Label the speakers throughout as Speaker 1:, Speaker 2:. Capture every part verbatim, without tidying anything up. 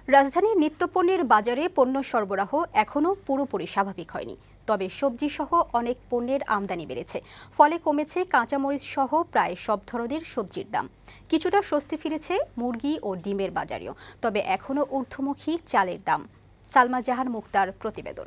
Speaker 1: রাজধানীর নিত্যপণ্যের বাজারে পণ্য সরবরাহ এখনও পুরোপুরি স্বাভাবিক হয়নি। তবে সবজি সহ অনেক পণ্যের আমদানি বেড়েছে, ফলে কমেছে কাঁচামরিচ সহ প্রায় সব ধরনের সবজির দাম। কিছুটা স্বস্তি ফিরেছে মুরগি ও ডিমের বাজারেও, তবে এখনও ঊর্ধ্বমুখী চালের দাম। সালমা জাহান মুক্তার প্রতিবেদন।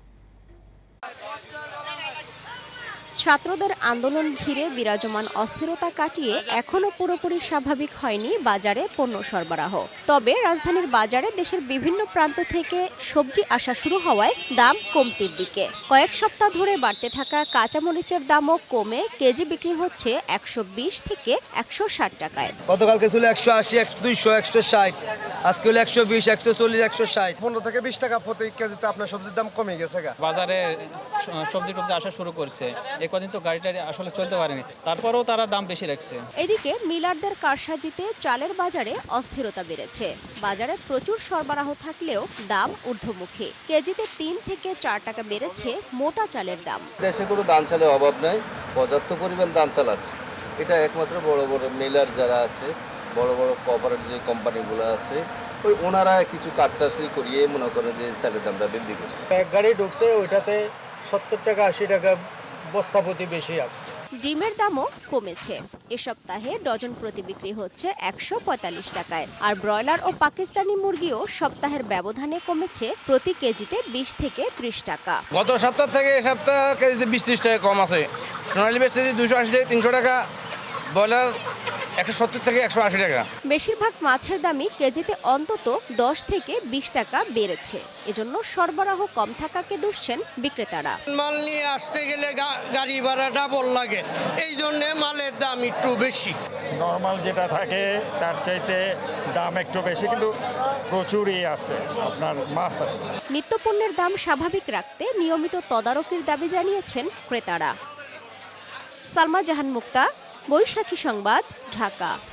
Speaker 2: ছাত্রদের আন্দোলন ঘিরে বিরাজমান অস্থিরতা কাটিয়ে এখনও পুরোপুরি স্বাভাবিক হয়নি বাজারে পণ্য সরবরাহ। তবে রাজধানীর বাজারে দেশের বিভিন্ন প্রান্ত থেকে সবজি আসা শুরু হওয়ায় দাম কমতির দিকে। কয়েক সপ্তাহ ধরে বাড়তে থাকা কাঁচামরিচের দামও কমে কেজি বিক্রি হচ্ছে একশো বিশ থেকে একশো ষাট টাকায়।
Speaker 3: গতকালকে ছিল একশো আশি, দুইশো, একশো ষাট, আজকে হলো একশো বিশ, একশো চল্লিশ, একশো ষাট।
Speaker 4: পনেরো থেকে বিশ টাকা প্রতি কেজিতে আপনার সবজির দাম কমে গেছে।
Speaker 5: বাজারে সবজি টবজি আসা শুরু করছে, এ কদিন তো গাড়ি টাড়ি আসলে চলতে পারেনি, তারপরেও তারা দাম বেশি রাখছে।
Speaker 2: এদিকে মিলারদের কারসাজিতে চালের বাজারে অস্থিরতা বেড়েছে। বাজারে প্রচুর সরবরাহ থাকলেও দাম ঊর্ধ্বমুখী। কেজিতে তিন থেকে চার টাকা বেড়েছে মোটা চালের দাম।
Speaker 6: দেশে কোনো ধান চালের অভাব নাই, পর্যাপ্ত পরিমাণ ধান চাল আছে। এটা একমাত্র বড় বড় মিলার যারা আছে, বড় বড় কোঅপারেটিভ যে কোম্পানিগুলো আছে, ওই ওনারা কিছু কারসাজি করিয়ে মনে করেন যে চালের দামটা বৃদ্ধি করছে।
Speaker 4: এক গাড়ি ঢুকছে, ওইটাতে সত্তর টাকা আশি টাকা বস্তাপতি বেশি আসছে।
Speaker 2: ডিমের দামও কমেছে। এ সপ্তাহে ডজন প্রতি বিক্রি হচ্ছে একশো পঁয়তাল্লিশ টাকায়। আর ব্রয়লার ও পাকিস্তানি মুরগিও সপ্তাহের ব্যবধানে কমেছে প্রতি কেজিতে বিশ থেকে ত্রিশ টাকা।
Speaker 3: গত সপ্তাহ থেকে এ সপ্তাহ কেজিতে বিশ ত্রিশ টাকা কম আছে। সোনালী বেচতে দুশো আশি থেকে তিনশো টাকা, ব্রয়লার একশো সত্তর থেকে একশো আশি টাকা।
Speaker 2: বেশিরভাগ মাছের দামই কেজিতে অন্তত দশ থেকে বিশ টাকা বেড়েছে। এজন্য সরবরাহ কম থাকাকে দুষছেন বিক্রেতারা।
Speaker 7: মাল নিয়ে আসতে গেলে গাড়ি ভাড়া ডাবল লাগে, এই জন্য মালের দাম একটু বেশি।
Speaker 8: নর্মাল যেটা থাকে তার চাইতে দাম একটু বেশি, কিন্তু প্রচুরই আছে আপনার মাছ আছে।
Speaker 2: নিত্যপণ্যের দাম স্বাভাবিক রাখতে নিয়মিত তদারকির দাবি জানিয়েছেন ক্রেতারা। সালমা জাহান মুক্তা, বৈশাখী সংবাদ, ঢাকা।